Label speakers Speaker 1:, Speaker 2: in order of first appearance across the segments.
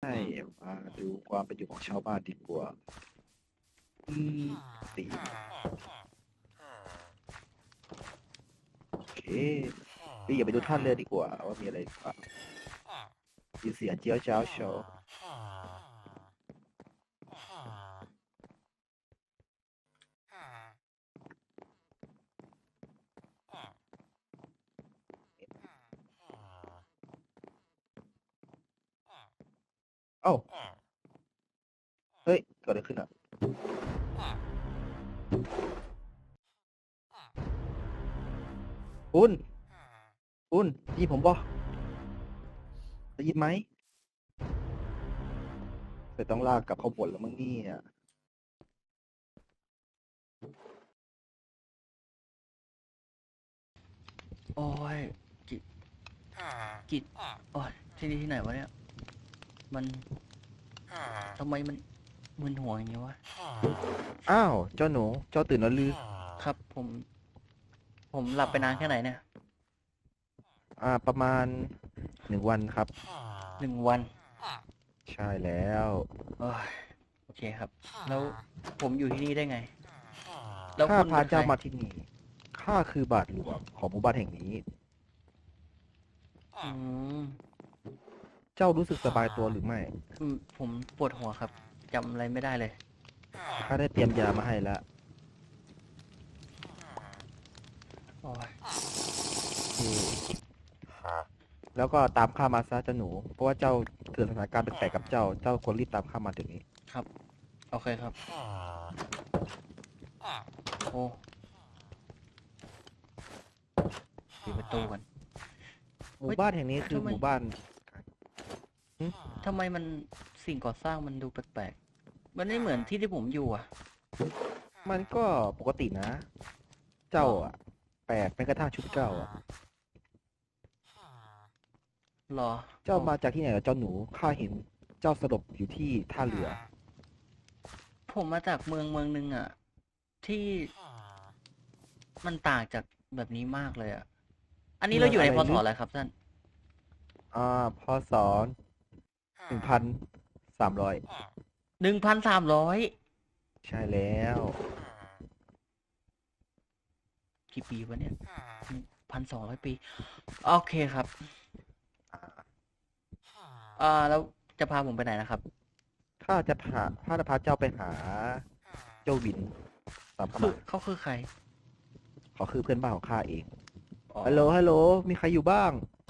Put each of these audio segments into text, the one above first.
Speaker 1: ให้มาดูความเป็นอยู่ของชาวบ้านดีกว่าอืมตีโอเคพี่อย่าไปดูท่านเลยดีกว่าว่ามีอะไรหรือเปล่ามีเสียงเจียวจ้าวโชว์เอ้าเฮ้ยเกิดอะไรขึ้นอ่ะคุณคุณได้ยินผมบ่ได้ยินไหมแต่ต้องลากกลับเข้าบทแล้วมั้งเนี่ย
Speaker 2: โอ้ยกิกิโอ้ยที่นี่ที่ไหนวะเนี่ยมันทำไมมันมึนหัวอย่างนี้วะ
Speaker 1: อ้าวเจ้าหนูเจ้าตื่นแล้วลือ
Speaker 2: ครับผมหลับไปนานแค่ไหนเนี่ย
Speaker 1: ประมาณ1 วันครับ
Speaker 2: 1 วัน
Speaker 1: ใช่แล้ว
Speaker 2: โอ้ยโอเคครับแล้วผมอยู่ที่นี่ได้ไงแล้ว
Speaker 1: ข้า
Speaker 2: คุณเป็นใคร
Speaker 1: พาเจ้ามาที่นี่ข้าคือบาทหลวงของหมู่บ้านแห่งนี้
Speaker 2: อืม
Speaker 1: เจ้ารู้สึกสบายตัวหรือไม่
Speaker 2: ผมปวดหัวครับจำอะไรไม่ได้เลย
Speaker 1: ข้าได้เตรียมยามาให้แล้ว
Speaker 2: โอ้ย
Speaker 1: แล้วก็ตามข้ามาซะเจ้าหนู เพราะว่าเจ้าเกิดสถานการณ์แปลกๆกับเจ้า เจ้าควรรีบตามข้ามาเดี๋ยวนี้
Speaker 2: ครับโอเคครับโอ้ปิดประตูกัน
Speaker 1: หมู่บ้านแห่งนี้คือ
Speaker 2: ทำไม
Speaker 1: หมู่บ้านหึ
Speaker 2: ทำไมมันสิ่งก่อสร้างมันดูแปลกๆมันไม่เหมือนที่ผมอยู่อ่ะ
Speaker 1: มันก็ปกตินะ เจ้าอ่ะแปลกแม้กระทั่งชุดเจ้าอ่ะ
Speaker 2: หรอ
Speaker 1: เจ้ามาจากที่ไหนเหรอเจ้าหนู ข้าเห็นเจ้าสลบอยู่ที่ท่าเรือ
Speaker 2: ผมมาจากเมืองหนึ่งอ่ะ ที่มันต่างจากแบบนี้มากเลยอ่ะ อันนี้
Speaker 1: เมื
Speaker 2: เราอยู่ในพศ
Speaker 1: องอะไรลึก
Speaker 2: อะไรครับท่าน
Speaker 1: พศ1,300
Speaker 2: 1,300
Speaker 1: ใช่แล้ว
Speaker 2: กี่ปีวะเนี่ย1,200 ปีโอเคครับแล้วจะพาผมไปไหนนะครับ
Speaker 1: ข้าจะพาเจ้าไปหาเจ้าวินตามเข้ามา
Speaker 2: เขาคือใคร
Speaker 1: เขาคือเพื่อนบ้านของข้าเอง
Speaker 2: อ๋อ
Speaker 1: ฮัลโหลฮัลโหลมีใครอยู่บ้าง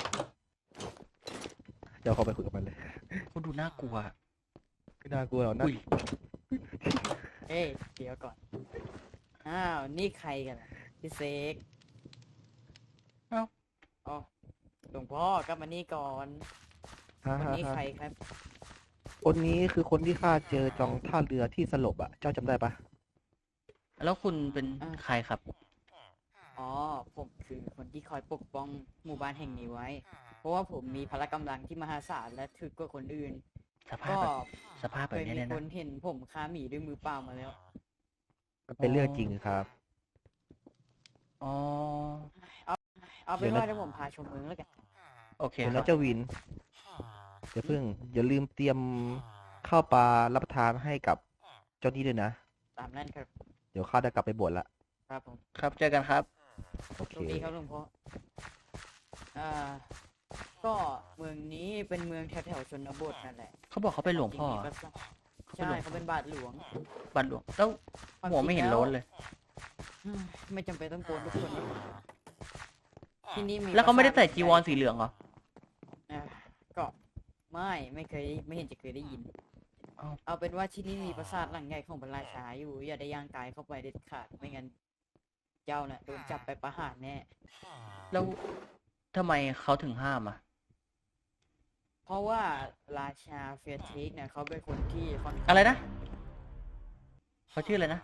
Speaker 1: เดี๋ยวเขาไปคุยกับมันเลย
Speaker 2: เขาดูน่ากลัว
Speaker 1: ไม่น่ากลัวหรอกนะ
Speaker 2: อุ้ย
Speaker 3: เอ้ยเดี๋ยวก่อน อ้าว นี่ใครกันอะพี่เซก
Speaker 2: เอ้า
Speaker 3: อ๋อหลวงพ่อกลับมานี่ก่อน
Speaker 1: ฮ่า
Speaker 3: คน
Speaker 1: ฮ่า
Speaker 3: นี้
Speaker 1: ฮ่า
Speaker 3: ใครครับ
Speaker 1: คนนี้คือคนที่ข้าเจอจองท่าเรือที่สลบอ่ะ เจ้าจำได้ปะ
Speaker 2: แล้วคุณเป็นใครครับ
Speaker 3: อ๋อ ผมคือคนที่คอยปกป้องหมู่บ้านแห่งนี้ไว้ เพราะว่าผมมีพละกำลังที่มหาศาลและถึกกว่าคนอื่น
Speaker 2: สภาพ
Speaker 3: ก็
Speaker 2: แบบสภาพแบ
Speaker 3: เคยมี
Speaker 2: บนี้เนี่ยนะ
Speaker 3: คนเห็นผมฆ่าหมีด้วยมือเปล่ามาแล้ว
Speaker 1: มันเป็นเรื่องจริงครับ
Speaker 2: อ๋อ
Speaker 3: เอาเป็นว่าเดี๋ยวผมพาชมเมืองแล้วกัน
Speaker 2: โอเคครั
Speaker 1: เดี๋ยวนะ
Speaker 2: บ
Speaker 1: เจ้าวินอย่าลืมเตรียมข้าวปลารับประทานให้กับเจ้านี่ด้วยนะ
Speaker 3: ตามนั้นครับ
Speaker 1: เดี๋ยวข้าจะกลับไปบวชละ
Speaker 3: ครับผม
Speaker 2: ครับเจอกันครับ
Speaker 1: โอเค
Speaker 3: โชคดีครับหลวงพ่ออ่า ก็เมืองนี้เป็นเมืองแถวๆชนบทนั่นแหละ
Speaker 2: เขาบอกเขาเป็นหลวงพ่อ
Speaker 3: จริๆก็ใช่เขาเป็นบาทหลวง
Speaker 2: บัตรหลวงแล้วหัวไม่เห็นโล้นเลย
Speaker 3: อืมไม่จำเป็นต้องโกนทุกคนนะที่นี่มี
Speaker 2: แล้วเขาไม่ได้ใส่จีวร
Speaker 3: ปราสาท
Speaker 2: สีเหลืองเหรอ
Speaker 3: อ่าก็ไม่เคยได้ยิน
Speaker 2: อ้าว
Speaker 3: เอาเป็นว่าที่นี่มีปราสาทหลังใหญ่ของพระราชาอยู่ อย่าได้ย่างกายเข้าไปเด็ดขาดไม่งั้นเจ้าน่ะโดนจับไปประหารแน่
Speaker 2: แล้วทำไมเขาถึงห้ามอ่ะ
Speaker 3: เพราะว่าราชาเฟียเทคเนี่ยเขาเป็นคนที่ค่อนข้าง
Speaker 2: อะไรนะเขาชื่ออะไรนะ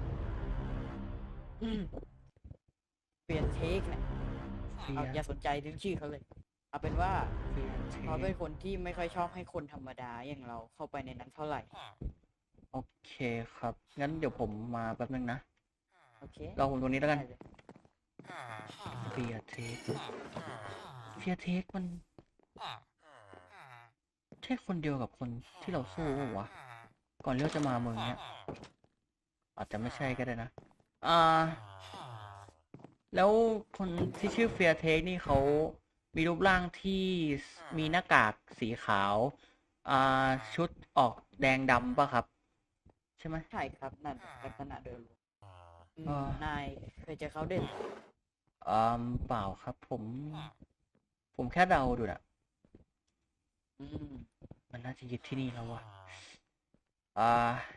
Speaker 3: อืมเฟียเทคเนี่ย
Speaker 2: เฟีย
Speaker 3: เอาอย่าสนใจถึงชื่อเขาเลย เอาเป็นว่า
Speaker 2: เฟียเท
Speaker 3: เขาเป็นคนที่ไม่ค่อยชอบให้คนธรรมดาอย่างเราเข้าไปในนั้นเท่าไหร่
Speaker 2: โอเคครับ งั้นเดี๋ยวผมมาแป๊บนึงนะ
Speaker 3: โอเค
Speaker 2: รอผมตรงนี้แล้วกัน
Speaker 3: ได้เลย
Speaker 2: เฟียเทคเฟียเทคมันใช่คนเดียวกับคนที่เราสู้ปะวะ ก่อนที่เราจะมาเมืองเนี้ย อาจจะไม่ใช่ก็ได้นะ อ่า แล้วคนที่ชื่อเฟียเทคนี่เขามีรูปร่างที่มีหน้ากากสีขาว อ่า ชุดออกแดงดำปะครับ ใช่ไหม
Speaker 3: ใช่ครับนั่นลักษณะโดยรวม
Speaker 2: อ่า
Speaker 3: นายเคยเจอเขาเด่น
Speaker 2: เปล่าครับ ผมแค่เดาดูนะ
Speaker 3: อืม
Speaker 2: มันน่าจะยึดที่นี่แล้ววะอ่า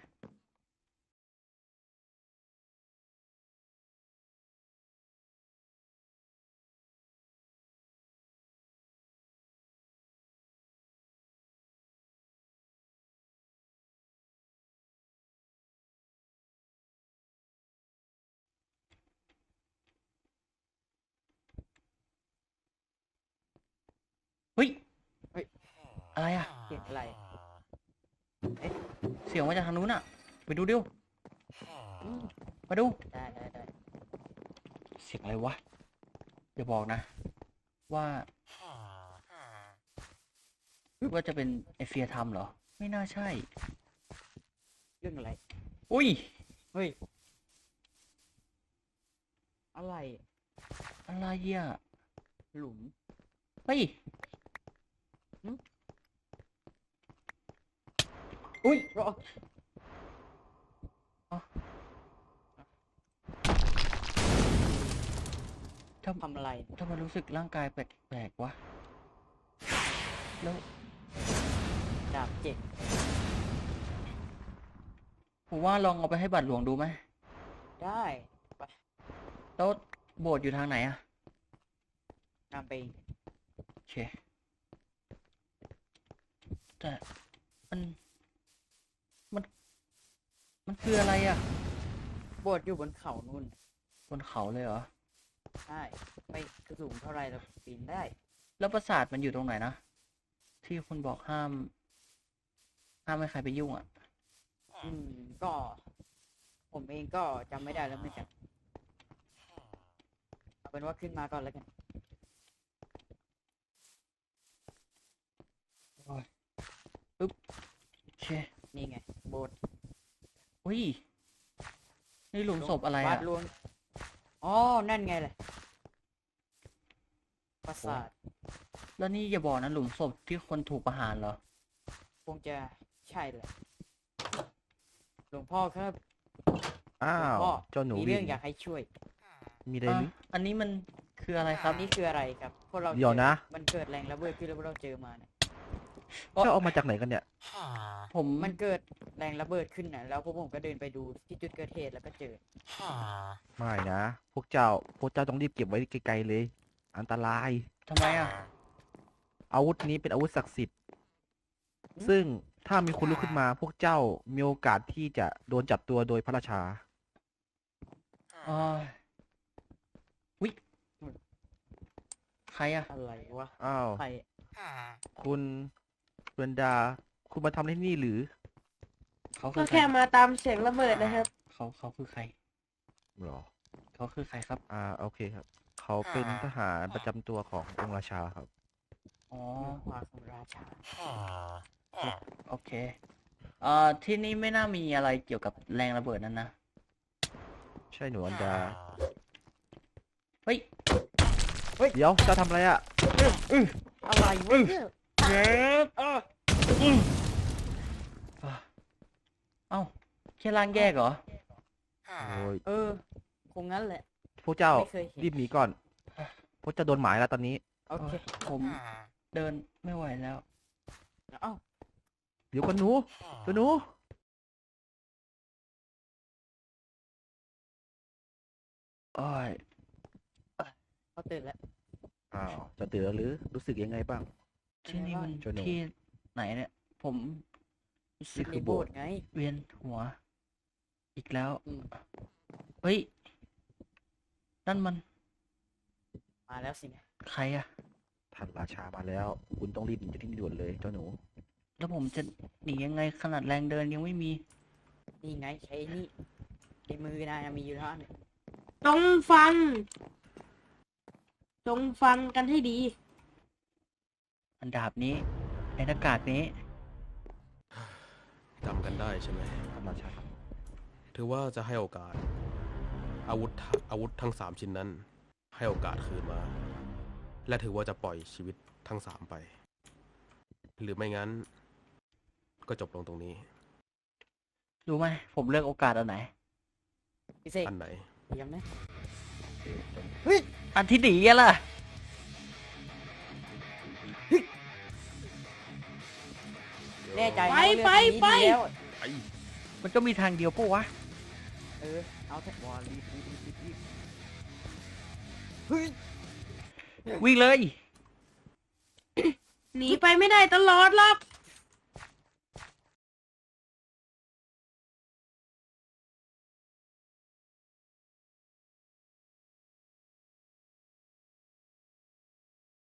Speaker 2: เฮ้ย
Speaker 3: เฮ้ย
Speaker 2: อะไรอะ
Speaker 3: เสียงอะไร
Speaker 2: เสียงมาจากทางนู้นอะไปดูดิว
Speaker 3: อืม
Speaker 2: มาดู
Speaker 3: ได้
Speaker 2: เสียงอะไรวะอย่าบอกนะ ว่า ว่าจะเป็นไอเฟียทำเหรอ ไม่น่าใช่
Speaker 3: เรื่องอะไร
Speaker 2: อุ้ย
Speaker 3: เฮ้ย อะไร
Speaker 2: อะไรอ่ะ
Speaker 3: หลุม
Speaker 2: เฮ้ย
Speaker 3: หึ
Speaker 2: อุ้ย
Speaker 3: รอ ทำอะไร
Speaker 2: ทำไมรู้สึกร่างกายแปลกๆวะ แล้ว
Speaker 3: ดาบเจ็ด
Speaker 2: ผมว่าลองเอาไปให้บัตรหลวงดูไหม
Speaker 3: ได้
Speaker 2: แล้วโบสถ์อยู่ทางไหนอะ
Speaker 3: นำไป
Speaker 2: โอเค แต่มันมัน มันคืออะไรอะ
Speaker 3: โบสถ์อยู่บนเขานู่น
Speaker 2: บนเขาเลยเหรอ
Speaker 3: ใช่ ไม่สูงเท่าไรเราปีนได้
Speaker 2: แล้วปราสาทมันอยู่ตรงไหนนะ ที่คุณบอกห้าม ห้ามไม่ใครไปยุ่งอะ
Speaker 3: อืม ก็ ผมเองก็จำไม่ได้แล้วเหมือนกัน เอาเป็นว่าขึ้นมาก่อนแล้วกัน
Speaker 2: ปึ๊บ โอเค
Speaker 3: นี่ไง โบสถ์
Speaker 2: อุ้ย นี่หลุมศพอะไร
Speaker 3: วา
Speaker 2: อะ
Speaker 3: ดรวงอ๋อ นั่นไงแหละปราสาท
Speaker 2: แล้วนี่อย่าบอกนะหลุมศพที่คนถูกประหารเหรอ
Speaker 3: คงจะใช่แหละ หลวงพ่อครับ
Speaker 1: อ้า
Speaker 3: หลวง
Speaker 1: ว
Speaker 3: พ่อ
Speaker 1: เจ้าหนู
Speaker 3: มี
Speaker 1: วิ
Speaker 3: เรื่อง
Speaker 1: น
Speaker 3: อยากให้ช่วย
Speaker 1: มีอะไร
Speaker 2: อ่ะ
Speaker 1: หรือ
Speaker 2: อันนี้มันคืออะไรค
Speaker 3: ค
Speaker 2: รั
Speaker 3: รับ บนี่คืออะไรครับ พวกเรา
Speaker 1: เดี๋ยวนะ
Speaker 3: มันเกิดแรงระเบิดขึ้นแล้วพวกเราเจอมาเนี่ย
Speaker 1: เจ้าเอามาจากไหนกันเนี่ย
Speaker 2: ผม
Speaker 3: มันเกิดแรงระเบิดขึ้นนะแล้วพวกผมก็เดินไปดูที่จุดเกิดเหตุแล้วก็เจอ
Speaker 1: ไม่นะ พวกเจ้าต้องรีบเก็บไว้ไกลๆเลย อันตราย
Speaker 2: ทำไมอะ
Speaker 1: อาวุธนี้เป็นอาวุธศักดิ์สิทธิ์ ซึ่งถ้ามีคนลุกขึ้นมา พวกเจ้ามีโอกาสที่จะโดนจับตัวโดยพระราชา
Speaker 2: อ๋อวิใครอะ
Speaker 3: อะไรวะ
Speaker 1: อ้าว
Speaker 3: ใคร
Speaker 1: คุณเบรนดา คุณมาทำที่นี่หรือ
Speaker 2: เขาคื
Speaker 4: ก็
Speaker 2: อใคร
Speaker 4: แค่มาตามเสียงระเบิดนะครับ
Speaker 2: เขาคือใคร
Speaker 1: หรอ
Speaker 2: เขาคือใครครับ
Speaker 1: โอเคครับ เขาเป็นทหารประจำตัวขององค์ราชาครับ
Speaker 2: อ๋อ
Speaker 3: วาของราชา
Speaker 2: โอเค ที่นี่ไม่น่ามีอะไรเกี่ยวกับแรงระเบิดนั่นนะ
Speaker 1: ใช่หนูอันดา
Speaker 2: เฮ้ย
Speaker 1: เดี๋ยว เจ้าทำอะไรอะ
Speaker 3: อะไรวะเนี่ย
Speaker 2: เจ็บเอ้าแค่ล่างแยกเหรอ
Speaker 1: โอ้ย
Speaker 3: เออ คงงั้นแหละ
Speaker 1: พวกเจ้า
Speaker 3: ไม่เคยเห็น
Speaker 1: รีบหนีก่อน พวกเจ้าโดนหมายแล้วตอนนี้
Speaker 3: โอเค
Speaker 2: ผมเดินไม่ไหวแล้ว
Speaker 3: เอ้า
Speaker 1: เดี๋ยวก่อนหนูเดี๋ยวหนู
Speaker 2: โอ้ย
Speaker 3: เขาตื่นแล้ว
Speaker 1: อ้าวเจะตื่นแล้วหรือ รู้สึกยังไงบ้าง
Speaker 2: ที่นี่มัน
Speaker 1: โจโน่
Speaker 2: ที่ไหนเนี่ย ผมรู้สึ
Speaker 1: นี่
Speaker 2: ก
Speaker 1: คือ
Speaker 3: ใน
Speaker 1: โบ
Speaker 3: โบ
Speaker 1: ส
Speaker 3: ส
Speaker 1: ถ์
Speaker 3: ถ์ไง
Speaker 2: เวียนหัว อีกแล้ว
Speaker 3: อืม
Speaker 2: เฮ้ย นั่นมัน
Speaker 3: มาแล้วสินะ
Speaker 2: ใครอะ
Speaker 1: ท่านราชามาแล้ว คุณต้องรีบหนีจากที่นี่ด่วนเลยเจ้าหนู
Speaker 2: แล้วผมจะหนียังไงขนาดแรงเดินยังไม่มี
Speaker 3: นี่ไงใช้นี่ในมือนายมีอยู่เท่านั้น
Speaker 4: ต้องฟัง จงฟังกันให้ดี
Speaker 2: อันดาบนี้ไอ้หน้ากากนี้
Speaker 5: จำกันได้ใช่ไหม
Speaker 1: ครับราชาครับ
Speaker 5: ถือว่าจะให้โอกาส อาวุธทั้ง3ชิ้นนั้น ให้โอกาสคืนมา และถือว่าจะปล่อยชีวิตทั้ง3ไป หรือไม่งั้น ก็จบลงตรงนี้
Speaker 2: รู้ไหมผมเลือกโอกาสอันไหน
Speaker 3: พี่เสก
Speaker 5: อันไหน
Speaker 3: เตรียมนะ
Speaker 2: อันที่หนีอะล่ะ
Speaker 3: แน่ใจนะ
Speaker 4: ไป
Speaker 3: ว่าเลือก
Speaker 4: ไป
Speaker 3: ทางนี้
Speaker 4: ไป
Speaker 3: ดีแล้ว
Speaker 5: ไอ้
Speaker 2: มันก็มีทางเดียวปะวะ
Speaker 3: เออเอาเถอะ
Speaker 1: วอลรีบ
Speaker 2: วิ่งเลย
Speaker 4: หนีไปไม่ได้ตลอดหรอก